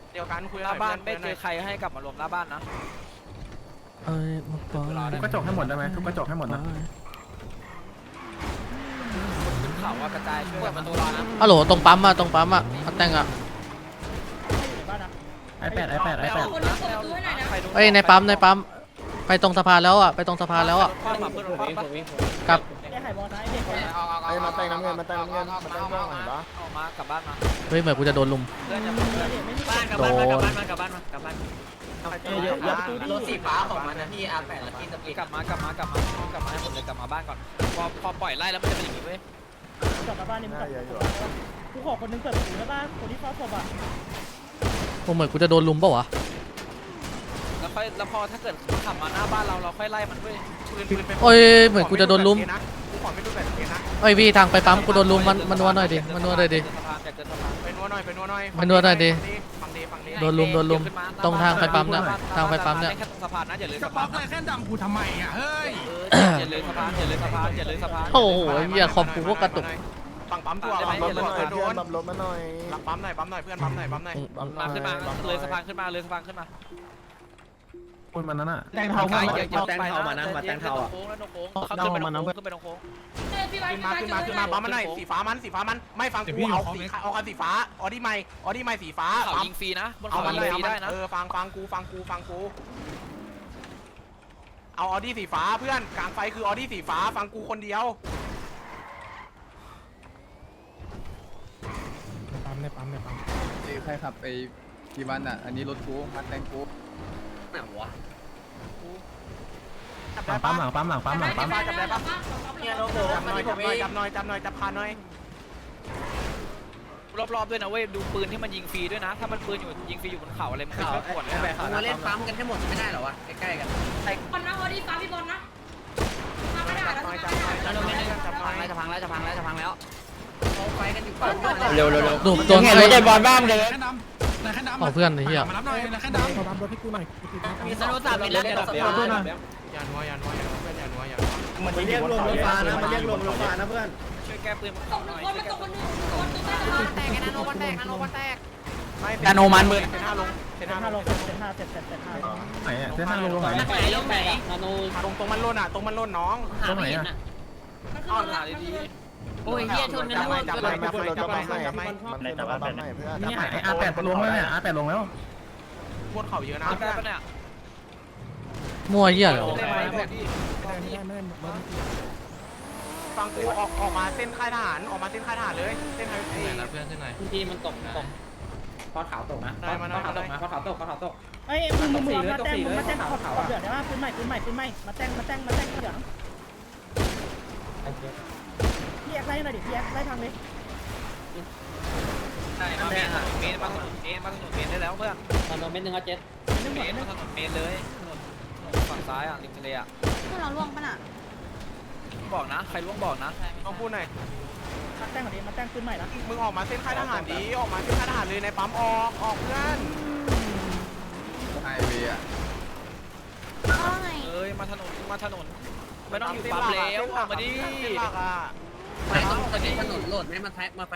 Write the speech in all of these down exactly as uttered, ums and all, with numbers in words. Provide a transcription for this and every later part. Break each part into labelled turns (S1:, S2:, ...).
S1: เดียวกันคุย
S2: หน้าบ้านไม่เจอใครให้กลับมารวมหน้าบ้านนะ
S3: เอ้ยมาปอ
S4: ทุกกระจกให้หมดได้ไหมทุกกระจกให้หมดนะ
S2: ขึ้นเขาว่ากระจายช่วยประตูรอนะ
S3: ฮัลโหลตรงปั๊มอะตรงปั๊มอะมาแต่งอะ
S4: ไอแปดไอแปดไอแปด
S3: เอ้ยในปั๊มในปั๊มไปตรงสะพานแล้วอะไปตรงสะพานแล้วอะ
S2: คว้ามาเพื่อนคว้าปะ
S3: กลับ
S5: ไอ้มาแต่งน้ำเงินมาแต่งน้ำเงินมาแต่งเรื่องอะไรปะ
S2: ออกมากลับบ้านมา
S3: เฮ้ยเหมือนกูจะโดนลุม
S2: เพื่อนจะเพื่อนบ้านกลับบ้านมากลับบ้านมากลับบ้านมากลับบ้าน
S1: เยอะประตูรถสีฟ้าของมันนะพี่อาร์แปดแล้วพี่สปี
S2: กลับมากลับมากลับมากลับมาให้หมดเลยกลับมาบ้านก่อนพอพอปล่อยไล่แล้วมันจะเป็นอย่างนี้เว้ย
S6: กลับมาบ้านนี่มึงกลับกูขอคนนึงเปิดประตูได้ป่ะคนที่เฝ้าศพอ่ะ
S3: กูเหมือนกูจะโดนลุมเปล่าวะ
S2: แล้วค่อยแล้วพอถ้าเกิดขับมาหน้าบ้านเราเราค่อยไล่มันเว้ย
S1: ปืนปืนเป็น
S3: โอ้ยเหมือนกูจะโดนลุม
S1: กูขอไม่ดูแบบนี้นะ
S3: เอ้ยพี่ทางไปปั๊มกูโดนลุมมันมันนัวหน่อยดิมันนัวหน่อยดิ
S2: สะพานจากเกิดสะพาน
S1: ไปนัวหน่อยไปนัวหน่อย
S3: ไปนัวหน่อยดิ
S1: ฟังดีฟังดี
S3: โดนลุมโดนลุมตรงทางไปปั๊มเนี่ยทางไปปั๊มเนี่ย
S2: แค่สะพานนะอย่าเลย
S7: จะ
S2: สะ
S7: ป๊
S2: พา
S7: อน ปอะไรแค่ดังกูทำไมอ่ะเฮ้ย
S2: อย่าเลยสะพานอย่าเลยสะพานอย่าเลยสะพาน
S3: โอ้โหเหี้ยคอมกูก็กระตุก
S1: ฝั่งปั๊มตัว
S5: บั
S1: ฝั่
S5: ม
S1: ง
S5: ร
S1: ปั๊
S5: ถ
S1: ม
S5: มา
S1: ตัว
S5: หน่อย
S1: โด
S5: เพื่อน
S1: น
S5: บัมรถมาหน่อย
S1: หลังปั๊มหน่อยปั๊มหน่อยเพื่อนปั๊มหน่อยปั๊มหน่อย
S5: บัม
S2: มาขึ้นมาเลยสะพานขึ้นมาเลยสะพานขึ้นมา
S4: คนมันนั้นอ่ะ
S2: แตงเทามาแตงเทามานะมาแตงเทาอ่ะโค้งแล้วโค้งเขาขึ้นไปตรงโค้งขึ้นไปตรงโค้ง
S1: ขึ้นมาขึ้นมาขึ้นมาปั๊มมันหน่อยสีฟ้ามันสีฟ้ามันไม่ฟังกูเอาสีเอาคันสีฟ้าออดี้ไม่ออดี้ไม่สีฟ้า
S2: เขายิงฟรีนะบน
S1: เอา
S2: เขา
S1: มัน
S2: ยิ
S1: เล
S2: ง
S1: ย
S2: ฟรีได้นะ
S1: เออฟังฟังกูฟังกูฟังกูเอาออดี้สีฟ้าเพื่อนกลางไฟคือออดี้สีฟ้าฟังกูคนเดียว
S4: ปั๊มในปั๊มในปั๊ม
S8: ใครขับไปกี่วันอ่ะ อันนี้รถกูมันแตงกู
S2: ไหนวะ
S1: จับ
S4: หลั
S1: ได้
S4: งปั๊
S1: ปะ
S4: มหลังปั๊มหลังปั๊มหลังปั๊ม
S1: จับได้ปะเนี่ยโลโก้จับหน่อยจับหน่อยจับหน่อยจับหน่อยจับพาหน่อย
S2: รอบๆด้วยนะเว้ยดูปืนที่มันยิงฟรีด้วยนะถ้ามันปืนอยู่ยิงฟรีอยู่บนเขาอะไรมันไม่ช่วยกดนะ
S1: มาเล่นปั๊มกันให้หมดไม่ได้หรอวะใกล้ๆกัน
S9: บอลนะโอดีฟ้าพี่บอลนะทำไม่ได้
S1: จับ
S9: แล้ว
S1: หน่อยจับ
S9: ทำ
S1: หน่
S9: ไม่
S1: อย
S9: ได้
S1: จับหน่อยจับหน่อย
S2: จะพังแล้วจะพังแล้วจะพังแล้ว
S3: เร็วเร็วโดนโดน
S7: ไหนแค่ดำไหนแค่ดำ
S3: ของเพื่อนไอ้เหี้ย
S7: มารับหน่อยไหนแค่ดำ
S4: ขอปั๊มรถให้กูหน่อย
S2: มีสนุสามมีแล้วเดี๋ยวเรา
S1: อย่านัวอย่านัวอย่านัวอย่านัวอย่านัว
S5: มันเรียกรวมรถฟ้านะมันเรียกรวมรถฟ้านะเพื่อน
S2: ช่วยแก้ปืนมา
S9: ตกหนึ่งคนมันตกคนหนึ่งคนตกได้แล้วแตกไอ้นาโนวันแตกนาโนวันแตก
S1: นาโนมันมือเซนห้าลงเซน
S6: เซน
S1: ห้า
S6: ห้า
S1: ล
S6: ล
S1: ง
S6: งเซนห้าเซนเซนเซนห้า
S4: ไหนอ่ะเส้นทางลงตรงไหน
S2: ไหนลงไหนนาโน
S1: ตรงตรงมันล่นอ่ะตรงมันล่นน้อง
S4: ตรงไหนอ่ะ
S9: มันขึ้
S2: อ้อน
S9: น
S2: หา
S9: มา
S2: ดี
S9: โอ้ยเฮียชนกัน
S1: จับ
S9: แล้ว
S1: ไปจับไปจับไปจับไปจับไป
S5: มันคือบัมใหม่เพื่อน
S4: นี่ไออาร์แปดลงแล้วเนี่ยอาร์แปดลงแล้ว
S1: บนเขาเยอะนะ
S2: ๆได้ปะเนี่ย
S3: มั่วเหี้ยเลย
S2: ได้ไหมพวกที่
S1: ฟังกูออกออกมาเส้นค่ายทหารออกมาเส้นค่ายทหารเลยเส้นไฮเวย์
S2: เพื่อนที่ไหน
S1: ได้มาได้มาได้
S6: เอ้ยมึงมึงมาแต่งมึงมาแต่งขอบขอบเหลืองได้ป่ะปืนใหม่ปืนใหม่ปืนใหม่มาแต่งมาแต่งมาแต่งเหลืองพี่แอ็กไล่หน่อยดิพี่แอ็กไล่ทางเลย
S2: ได้มาเมนเมนมาถนนเมนมาถนนเมนได้แล้วเพื่อน
S6: ตอนโดนเม็ดหนึ่งอ่ะเจ็ด
S2: เมนมาถนนเมนเลยถนนฝั่งซ้ายอ่ะริมทะเลอ่ะ
S9: พวกเราล่วงปะน่ะ
S2: บอกนะใครล่วงบอกนะ
S1: ต้องพูดหน่อย
S6: มาแต่งก่อนดิมาแต่งปืนใหม่ละ
S1: มึงออกมาเส้นค่ายทหารดีออกมาเส้นค่ายทหารเลยในปั๊มออกออกเพื่อน
S8: ไฮเวย์อ่ะ
S9: ว่าไง
S2: เอ้ยมาถนนมาถนนไม่ต้องอยู่ปั๊มแล้วออกมาดิ
S1: เส้นหลักอ่ะ
S2: ไปตรงนี้
S9: ทางรถ
S7: เลย
S9: ทาง
S7: ไป
S9: รถ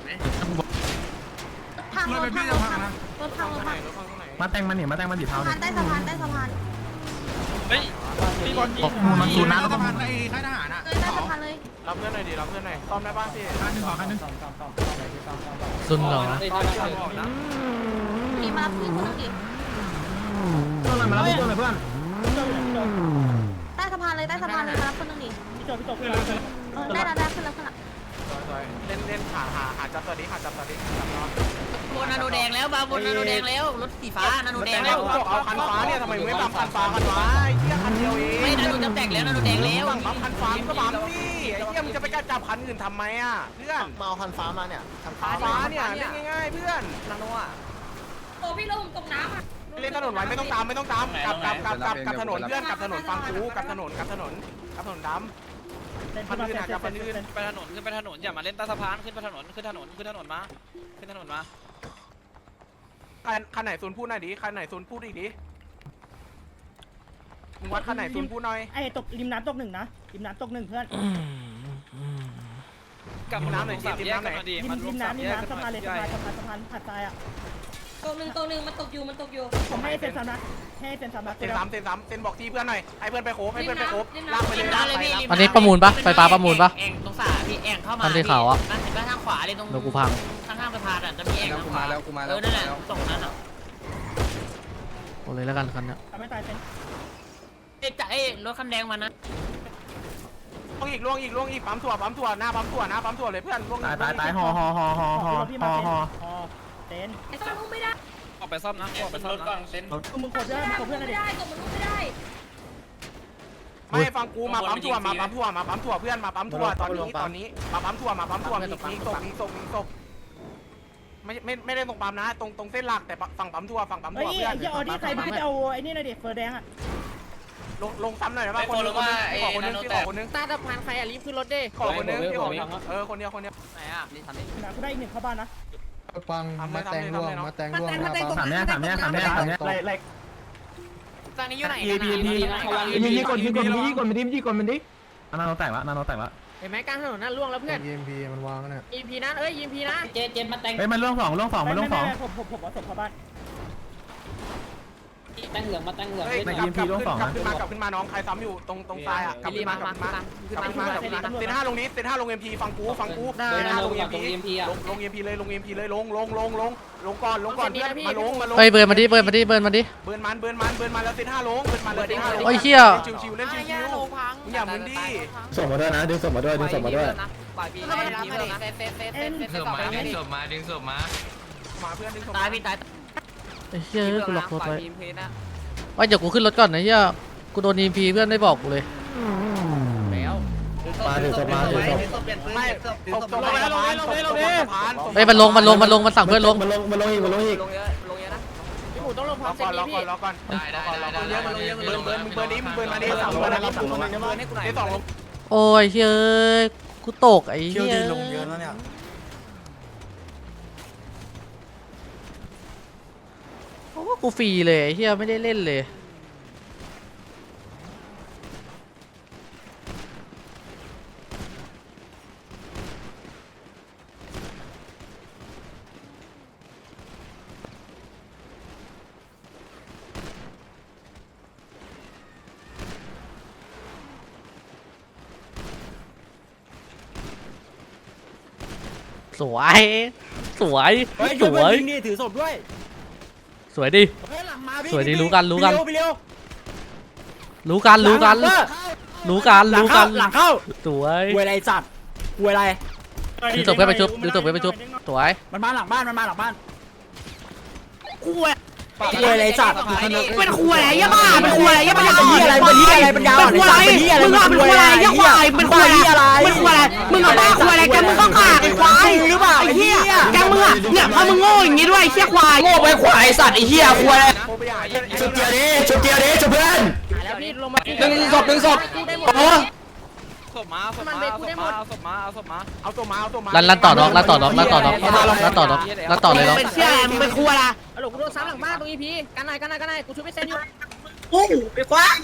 S7: พี่
S9: ทาง
S7: จะ
S9: ร
S7: พั
S9: ถ
S7: งนะ
S9: รถทางรถ
S1: ไหน
S9: ทาง
S1: รถฟังตรงไหน
S4: มาแต่งมันนี่มาแต่งมันสีเทา
S9: สะ
S4: เนี่
S9: พาย นใต้สะพานใต้สะพาน
S2: เฮ้ยมีบอลยิง
S4: มันซูนะ
S7: แล้
S4: แล้ว ว
S7: ก็
S4: ก็
S7: พันไอ้ค่ายทหารอ่ะ
S9: เลยใต้สะพานเลย
S1: รับเพื่อนหน่อยดิรับเพื่อนหน่อยซ่อมได้ป่ะพี่
S7: คันหนึ่งสองคันหนึ่ง
S3: ซุนเหรอ
S2: ตอนที่บอกนะ
S9: มีมารับพี่คนนึงดิ
S4: ตัวอะไรมาแล้วตัวอะไรเพื่อน
S6: พี่โจพี่โจ
S9: ใต้สะพานเลยใต้สะพานเลยมารับคนนึงดิ
S6: พี่โจพี่โจพี่โจ
S9: เออได้แล้วได้ขึ้นแล้วขึ้นแล้ว
S1: สวยๆเล่นเล่นหาหาหาจับตัวนี้หาจับตัวนี้จับเนาะ
S9: บนนาโนแดงแล้วบาบนนาโนแดงแล้วรถสีฟ้านาโนแดง
S1: แล้
S9: แล้ว ว
S1: บอกเอาคันฟ้าเนี่ยทำไมไม่ปั๊มคันฟ้ากันวะไอ้เหี้ยคันเดียวเอง
S9: ไม่นาโนจะแตกแล้วนาโนแดงแล้ว
S1: สั่งปั๊มคันฟ้าก็ปั๊มสิไอ้เหี้ยมึงจะไปกล้าจับคันอื่นทำไมอ่ะเพื่อน
S5: มาเอาคันฟ้ามาเนี่ยคันฟ้า
S1: ฟ้าเนี่ยเล่นง่ายๆเพื่อน
S2: นาโนอ่ะ
S9: โอ้พี่ลงตกน้ำอ่ะ
S1: เล่นถนนไว้ไม่ต้องตามไม่ต้องตามกลับกลับกลับกลับกลับถนนเพื่อนกลับถนนฟังกูกลับถนนกลับถนนกลับถนนด
S6: เซนขึ้นมาเซนเซนเซนเซน
S2: ไปถนนขึ้นไปถนนอย่ามาเล่นใต้สะพานขึ้นไปถนนขึ้นถนนขึ้นถนนมาขึ้นถนนมา
S1: ำคันคันไหนซูนพูดหน่อยดิคันไหนซูนพูดอีกดิมึงวัดคันไหนซูนพูดหน่อย
S6: ไอ้ตกริมน้ำตกหนึ่งนะริมน้ำตกหนึ่งเพื่อน
S2: กลับมาน้ำหน่อยสามแยกกันมาดี
S6: ริม
S2: มันร
S6: ริ
S2: วม
S6: ม
S2: สาม
S6: น้ำริ
S2: แย
S6: ม
S2: กกัน
S6: น้ำสะ
S2: มา
S6: พานเลย
S2: ใหญ่
S6: สะพานสะพานสะพานหาดทรายอ่ะ
S9: ตัวหนึ่งตัวหนึ่งมันตกอยู่มันตกอยู่
S6: ผมให้เซนซัมนะให้เซนซัมนะ
S1: เซนซ้ำเซนซ้ำเซนบอกที่เพื่อนหน่อยให้เพื่อนไปโคบให้เพื่อนไปโคบลากไปเลยลากไป
S3: อันนี้ประมูลปะไฟฟ้าประมูลปะ
S10: แอ่งตรงสาพี่แอ่งเข้ามา
S3: อันที่ขาวอะ
S10: นั่นเห็นป่ะทางขวาเลยตรง
S3: เดี๋ยวกูพัง
S10: ข้างๆสะพานอ่ะจะมีแอ่ง
S8: แล้ว
S10: ทาง
S8: กู
S10: ขวา
S8: มาแล้วกูมา
S10: เอ
S8: แล้ว
S10: อนั่นแหละตรงนั้นอ่ะ
S3: โอ้เลยแล้วกันคันเนี้ย
S6: ทำให้ตายเซน
S10: เอ๊ะจะเอ้รถคันแดงมานะ
S1: ล่วงอีกล่วงอีกล่วงอีกปั๊มถั่วปั๊มถั่วหน้าปั๊มถั่วหน้าปั๊มถั่วเลยเพื่อนล่วง
S4: ตายตายตายห่อห่อห่อห่อห่อ
S6: พี่
S4: ห่
S6: มา
S4: อ
S6: เซน
S4: ห่อ
S6: ห่อเซน
S9: ไอ้ซ่อนอุ้มไม่ได้
S2: ออกไปซ่อมนะออกไปซ่อมนะ
S6: มึงกดได้มึงกดเพื่อน
S9: ไม่
S6: เลยดิ
S9: ได้กดมันอุ้มไม่ได้
S1: ไม่ฟังกูมาปั๊มถั่วมาปั๊มถั่วมาปั๊มถั่วเพื่อนมาปั๊มถั่วตอนนี้ตอนนี้มาปั๊มถั่วมาปั๊มถั่วมีมีศพมีศพมีศพไม่ไม่ไม่ได้ตรงปั๊มนะตรงตรงเส้นหลักแต่ฝั่งปั๊มถั่วฝั่งปั๊ม
S6: เฮ้ย
S1: ถั่วเพื่อน
S6: ไอ้ออดี้ใครมึงจะเอาไอ้นี่หน่อยดิเฟอร์แดงอ่ะ
S1: ลงลงซ้ำหน่อยนะคนนึงขอคนนึงที่ขอคนนึง
S10: ตาตะพานใครอ่ะรีบขึ้นรถดิ
S1: ขอคนนึงที่ขอเออคนเดียวคนเดียว
S2: ไหนอ่ะนี่ทำนี่
S6: นะกูได้อีกหนึ่งเข้าบ้านนะ
S8: ฟังมาแตงร่วงมาแตงร่วง
S4: ถามเนี้ยถามเนี้ยถามเนี้ยถามเนี้ย
S5: ไล่ไล่
S10: ตอนนี้อยู่ไหน
S4: ยีพีพียีพีกดยีกดยีกดมันดิยีกดมันดินาโนแตกละนาโนแตกละ
S10: เห็นไหมกลางถนนนั่นล่วงแล้วเพื่อน
S8: ยีพีมันวางเนี่ย
S10: อีพีนะเอ้ยอีพีนะ
S9: เจเจมาแต่ง
S4: เฮ้ยมันล่วงสองล่วงสองมันล่วงสอง
S6: ผมผมผมเอาศพเข้าบ้าน
S9: แต่งเหลืองมาแต่งเหลือง
S1: เฮ้ยกลับกลับขึ้นกลับขึ้นมากลับขึ้นมาน้องใครซ้ำอยู่ตรงตรงซ้ายอ่ะกลับขึ้นมากลับขึ้นมากลับขึ้นมากลับขึ้นมาเซนห้าลงนี้เซนห้าลงเอ็มพีฟังกูฟังกูเซนห้าลงเอ็มพีลงลงเอ็มพีเลยลงเอ็มพีเลยลงลงลงลงลงก่อนลงก่อนเพื่อนมาลงมาลง
S3: เฮ้ยเบิร์นมาดิเบิร์นมาดิเบิร์นมาดิ
S1: เบิร์นมันเบิร์นมันเบิร์นมันแล้วเซนห้าลงเบิร์นมันแล้วเซนห้าลง
S3: โอ้ยเหี้ย
S1: ชิวชิวเล่นชิวชิวมึงอย่ามึนดิ
S5: ส่งมาด้วยนะดึงส่งมาด้วยดึงส่งมาด้วย
S10: ปล่อยพี่ไม่รับมาดิเซฟเซฟเซฟเซฟเซฟต่อไปไม่ดิ
S1: มาเพื่อนดึง
S10: ตายพี่ตาย
S3: ไอ้เหี้ยกูล็อกรถไว้
S10: ทีมเพนะ
S3: ไอ้เดี๋ยวกูขึ้นรถก่อนนะเหี้ยกูโดนอีพีเพื่อนไม่บอกกูเลย
S10: แล้ว
S5: มาดึงส่งมาดึงส่ง
S1: ไม่ตบตบลงแล้วลงนี้ลงนี้ลงนี้
S3: เฮ้ยมันลงมันลงมันลงมันสั่งเพื่อนลง
S5: มันลงมันลงอีกมันลงอีก
S10: ลงเยอะลงเยอะนะพี่หมูต้องลงพร้
S1: ร
S10: อ
S1: อ
S10: มเซ็
S1: ก่
S10: น
S1: อนร
S10: นี้
S1: อก่อ
S10: พี่
S1: นรอก่อนได้ได้ได้เยอะมันลงเยอะมันลงเบิร์นมึงเบิร์นนี้มึงเบิร์นมาดิสองเบิร์นนะ
S10: เบิร์นให้กูหน่อย
S1: ได้สองลง
S3: โอ้ยเฮ้ยกูตกไอ้เหี้ยลงเยอะแล้วเนี่ยโอ้กูฟรีเลยไอ้เหี้ยไม่ได้เล่นเลยสวยสวยสวยนี่ถือศพด้วยสวยดิสวยดิรู้กันรู้กันรู้กันรู้กันรู้กันรู้กันหลังเข้าสวยเวลาจัดเวลาดูศพไปไปชุบดูศพไปไปชุบสวย
S6: มันมาหลังบ้านมันมาหลังบ้าน
S10: คุยอะไรจัดเป็นคุยอะไรยะบ้าเป็นคุยอะไรยะบ้าเป็นอะไรเป็นที่อะไรเป็นยาวเป็นคุยอะไรมึงว่าเป็นคุยอะไรยะควายเป็นคุยอะไรเป็นคุยอะไรมึงกับบ้าคุยอะไรกันมึงก็ขาดไอ้ควายหรือเปล่าไอ้เหี้ยแกมึงอ่ะเนี่ยพอมึงโง่อย่างงี้ด้วยไอ้เหี้ยควายโง่ไปควายสัตว์ไอ้เหี้ยควาย
S5: ชุดเดียวดิชุดเดียวดิชุดเพื่อน
S10: แล้วพี่ลงมา
S5: ดึงศพดึงศพโอ้
S2: ศพมาศพมาศพมาศพมาเอาศพมา
S1: เอาตัวมาเอาตัวมา
S3: ลั่นลั่นต่อน้องลั่นต่อน้องลั่นต่อน้องลั่นต่อน้องลั่นต่อเลยน้อง
S10: เป็นเชี่ยมึงเป็นคุยอะไรฮัลโหลกูโดนซ้ำหลังบ้านตรงอีพีกันไหนกันไหนกันไหนกูช่วยไม่เซ็นอยู่อู้ไปควาย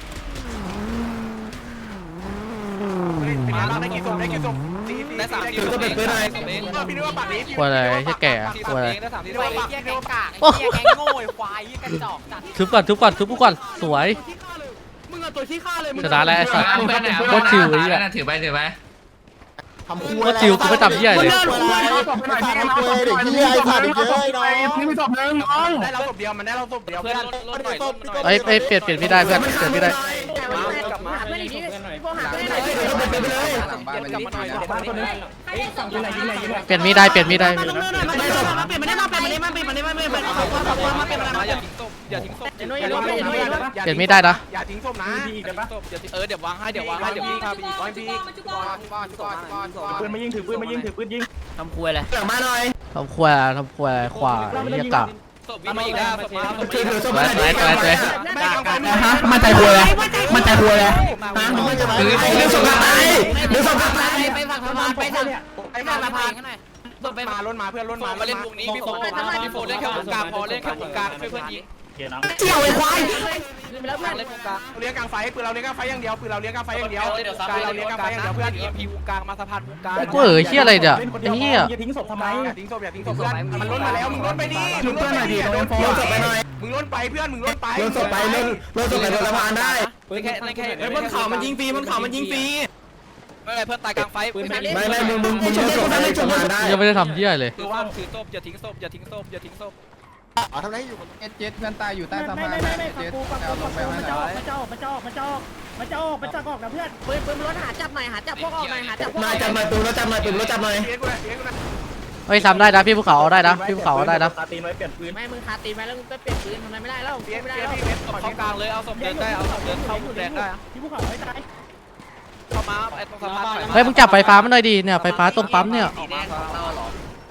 S1: เป็นไงบ้างได้กี่ศพได้กี่ศพสี่สี่
S2: ได้สามที
S1: ก็เป็นไปได้พี่นึกว่าปากนี้
S3: ควายอะไรไอ้แก่ควายอะไร
S2: ได้สามที
S1: พี่นึกว่าปาก
S10: เหี้ย
S1: พี่
S10: แก
S1: นึกว่าปาก
S10: งกากไอ้เหี้ยแกงโง่ไอ้ควายไอ้กระจอกจัด
S3: ทุบก่อนทุบก่อนทุบกูก่อนสวย
S1: มึงเอาตัวขี้ข้าเลยมึง
S3: ชนะแล้วไอ้สัตว์โคตรชิวไอ้เหี้ย
S5: ถือไปถือไปทำคู่
S3: โคตรชิวกูไม่จำเหี้ยเลย
S5: ทำคู่เด็กที่ไอ้ขาดอีกเยอะน้อง
S4: นี่มีศพหนึ่งน้อง
S1: ได้เราศพเดียวมันได้เราศพเดียว
S2: เพื่อนรถรถหน่อยรถหน่อย
S3: เอ้ยเอ้ยเปลี่ยนเปลี่ยนไม่ได้เพื่อนเปลี่ยนไม่ได้
S10: กลับมาหาเพื่อนอีกทีพวกหาเพื่อนหน่อย
S8: หลังบ้านมันนี่นะ
S6: บ้านคนนึง
S9: ใครได้สองคน
S3: เปลี่ยนไม่ได้เปลี่ยนไม่ได้
S10: มาเปลี่ยนมาเปลี่ยนมาเปลี่ยนมาเปลี่ยนมาเปลี่ยนมาเปลี่ยนมาเปลี่ยนมาเปลี่ยนมาเปลี่ยนมา
S2: อย่าทิ้งศพอย่าทิ้งศพ
S10: เดี๋ยวน้อยอย่าน้อยอย่าน้อยอย่าน้อย
S3: เปลี่ยนไม่ได้นะ
S1: อย่าทิ้งศพนะ
S2: เออเดี๋ยววางให้เดี๋ยววางให้เดี๋ยวพี่พาไปอีก
S9: มันจุกอนมันจุกอน
S4: ปืนมายิงถือปืนมายิงถือปืนยิง
S10: ทำคุยอะไร
S5: หลังมาหน่อย
S3: ทำควายทำควายควายเหี้ยกะ
S2: ศพวิ่งมาอีกแล้วศพมาศพ
S5: ถือถือศพ
S3: สว
S5: มาย หน่อย
S3: สวยสวย
S4: ฮะมันใจหัวเลยมันใจหัวเลย
S5: ดึงศพกลับไปดึงศพกลับไป
S10: ไปฝั่งสะพานไปฝั่ง
S1: ไอ้
S10: ไป
S1: มา
S10: ฝั่ง
S1: ละ
S10: สะ
S1: พา
S10: พาน
S1: น
S10: ข้างใน
S1: รถไปมาล้นมาเพื่อนล้นมา
S2: มาเล่นวงนี้พี่โฟพี่โฟเล่นแค่วงกลางพอเล่นแค่วงกลางช่วยเพื่อนยิง
S10: เจียวไอ้ควาย
S2: แล้วเพื่อนเล่นวงกลาง
S1: เลี้ยงกลางไฟปืนเราเลี้ยงกลางไฟอย่างเดียวปืนเราเลี้ยงกลางไฟอย่างเดียว
S2: เดี๋ยว
S1: ปื
S2: ซับ
S1: นเราเลี้ยงกลางไฟอย่างเดียวเพื่อน
S2: เอ็มพีวงกลางมาสะพานวงกลาง
S3: กูเอ๋ยเฮียอะไรเนี่ยไอ้เฮีย
S6: อย่าทิ้งศพทำไม
S1: อย่าทิ้งศพอย่าทิ้งศพเพื่อนมันล้นมาแล้วมึงล้นไปดิมึงล้นไปดิโดน
S5: โดนศพไปหน่อย
S1: มึงล้นไปเพื่อนมึงล้นไป
S5: โดนศพไปเล่นโดนศพไปโดนสะพานได้
S2: เล่นแค่เล่นแค่
S10: เฮ้ยบนเขามันยิงฟรีบนเขามันยิงฟรี
S2: ไม่เป็นไรเพื่อนตายกลางไฟ
S5: ไม่ไม่มึงมึงมึงโดนศพไปสะพานได้
S3: ยังไม่ได้ทำเฮียเลย
S2: คือว่าถือศพอย่าทิ้งศพอย่าทิ้งศพอย่าทิ้งศพ
S5: อ๋อทำไรอยู่
S8: เจ็ดเจ็ดเพื่อนตายอยู่ใต้
S6: ไม่
S8: สะ
S6: ไม่
S8: พาน
S6: ไม่ไม่ฟัง
S8: เจ็ด
S6: กูฟัง
S8: เอา
S6: กู
S8: ล
S6: ฟั
S8: ง
S6: ง
S8: ไป
S6: กู
S8: ให้
S6: มัน
S8: ห
S6: จะ
S8: น่
S6: อ
S8: อ
S6: อกมันจะออกมันจะออกมันจะออกมันจะออกมันจะออกนะเพื่อน
S9: ปืนปืนรถหาจับหน่อยหาจับพวกออกหน่อยหาจับพวก
S5: นายจับหน่อยปืนรถจับหน่อยปืนรถจับหน่อย
S1: เลี้ยงกูเลยเลี้ยงกูเลย
S3: เฮ้ยทำได้นะพี่ภูเขาเอาได้นะพี่ภูเขาเอาได้นะ
S9: ไม่มึงคาตีนไว้แล้วมึงก็เปลี่ยนปืนทำไมไม่ได้แล้ว
S1: เลี้ยง
S9: ไม่ได้
S1: เลี้ยง
S9: แล้ว
S1: พี่เลี้ยง
S2: ศพเข้ากลางเลยเอาศพเดินได้เอาศพเดินเข้ามุมแดงได้
S6: ที่ภูเขาไว้ตาย
S2: เข้ามาไอ้ตรงสะพาน
S3: เฮ้ยมึงจับไฟฟ้ามันหน่อยดิเนี่ยไฟฟ้าตรงปั๊มเนี่ย
S2: ออกมาของเราหรอ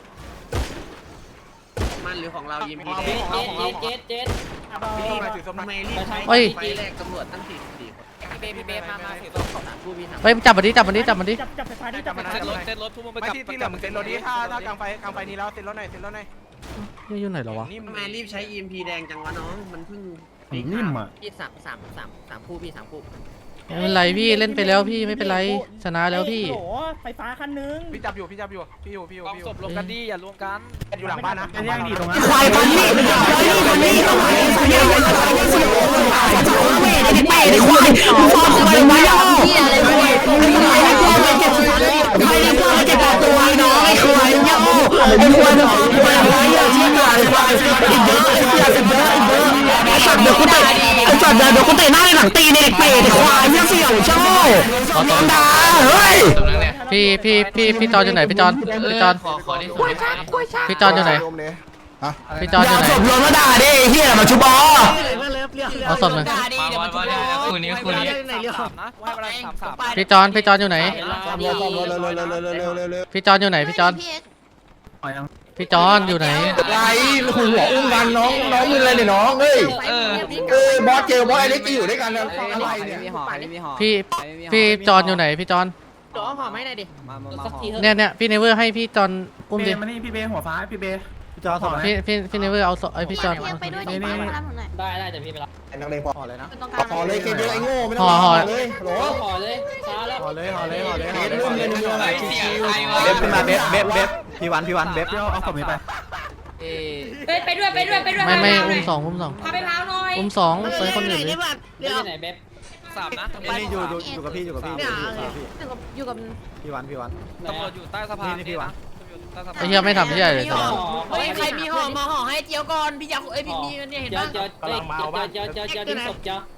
S9: มันหรือของเรายิม
S2: ของเราของเรา
S9: เจ็ดเจ็ด
S6: อาบอ
S1: พี่มาถือศพหน่อย
S3: เฮ้ย
S9: ปีแรกตำรวจตั้งสี่สี่พี่เบพี่เบมามาถือศพสามผู้พี่สาม
S3: เฮ้ยมึงจับมันดิจับมันดิจับมันดิ
S6: จับจับไฟฟ้าดิจับไฟฟ้า
S2: เซ็ตรถเซ็ตรถทุกมุมไป
S1: ไม่
S2: กับ
S1: ที่ที่เหลือมึงเซ็นรถดิถ้าถ้ากลางไฟกลางไฟนี้แล้วเซ็นรถหน่อยเซ็นรถหน่อย
S3: นี่อยู่ไหนเหรอวะ
S1: นิ่ม
S9: ทำไมรีบใช้ อี เอ็ม พี แดงจังวะน้องมันเพิ่ง
S4: นิ่มอ่ะ
S9: พี่สามสามสามสามคู่พี่สามคู่
S3: ไม่เป็นไรพี่เล่นไปแล้วพี่ไม่เป็นไรชนะแล้วพี่
S6: โอ้ไฟฟ้าคันนึง
S1: พี่จับอยู่พี่จับอยู่พี่อยู่พี่อยู่
S2: กอง
S1: พี่อ
S2: ศ
S1: ยู่
S2: พรวมกันดีอย่ารวมกัน
S1: อยู่หลังบ้านนะ
S4: แย่งดีตรงนั้น
S10: ควายคนนี้คนนี้คนนี้คนนี้คนนี้คนนี้ไอ้เป้ไอ้ควายฟอมไปไว้ย่ออะไรควายใครเพื่อนไม่เก็บใครเพื่อนไม่เก็บตัวน้องไอ้ควายย่อไอ้ควายมันฟอมไปไว้ย่อที่หน้าไอ้ควายอีกเยอะไอ้เหี้ยอีกเยอะอีกเยอะไอ้สัตว์เดี๋ยวกูเตะไอ้สัตว์เดี๋ยวกูเตะหน้าในหลังตีในเด็กเป้ไอ้ควายเนี่ยเสี่ยวเจ้าน้องดาเฮ้ย
S3: พี่พี่พี่พี่จอนอยู่ไหนพี่จอนพี่จอนพี่จอนอยู่ไหนพี่จอนอยู่ไหน
S10: ศพรวมมาด่าดิเฮียมาชุบอ
S3: เอาศพเลย
S2: คืนนี้คืนนี้สามนะว่าเวลาสามสาม
S3: พี่จอนพี่จอนอยู่ไหน
S5: ซ่อมรถซ่อมรถเร็วเร็วเร็วเร็วเร็วเร็วเร็ว
S3: พี่จอนอยู่ไหนพี่จอนพี่จอนอยู่ไหน
S5: ไรหัวอุ้มกันน้องน้องมึงอะไรเนี่ยน้องเฮ้ยเออบอสเจอบอสไอเล็กจะอยู่ด้วยกันอะไรเนี่ย
S3: พี่พี่จอนอยู่ไหนพี่จอน
S9: เดี๋ยวเอาห่อไม่ได้ดิสักทีเถอะ
S3: เนี่ยเนี่ยพี่เนเวอร์ให้พี่จอนอุ้มดิ
S4: มานี่พี่เบหัวฟ้าพี่เบจอถอด
S3: พี่พี่พี่เนเวอร์เอาศพไอพี่จอน
S9: ไปด้วยดิมารับผมหน่อย
S6: ได้ได้แต่พี่ไปรับ
S5: นักเลงพอเลยนะ
S9: ตรงกลาง
S5: พอเลยเกมเยอะไอ้โง่ไม่ต้องห่อเลยโห
S6: ห่อเลยช้าแล้ว
S4: ห่อเลยห่อเลยห่อเลย
S5: เกมรุ่นเลยในเมืองชิว
S4: เบฟขึ้นมาเบฟเบฟเบฟพี่วันพี่วันเบฟเอาเอาศพนี้ไป
S9: ไปไปด้วยไปด้วยไปด้วย
S3: ไม่ไม่อุ้มสองอุ้มสอง
S9: พาไปพาวหน่อย
S3: อุ้มสองใส่คนอื่นดิ
S9: เดี๋ยว
S6: ไหนเบ๊บ
S2: สามนะ
S4: นี่อยู่อยู่กับพี่อยู่กับพี่
S9: เนี่ยอยู่กับ
S4: พี่วันพี่วัน
S2: ตำรวจอยู่ใต้สะพานนี่นะ
S3: ไอ้เหี้ยไม่ทำเหี้ยเลยสบาย
S9: เฮ้ยใครมีห่อมาห่อให้เจียวก่อนพี่อยากเอ้ยพี่มีเนี่ยเห็น
S6: เจ้า
S9: ปะ
S6: เจ้าเจ้าเจ้าเจ้าเจ้าทิ้งศพเจ้า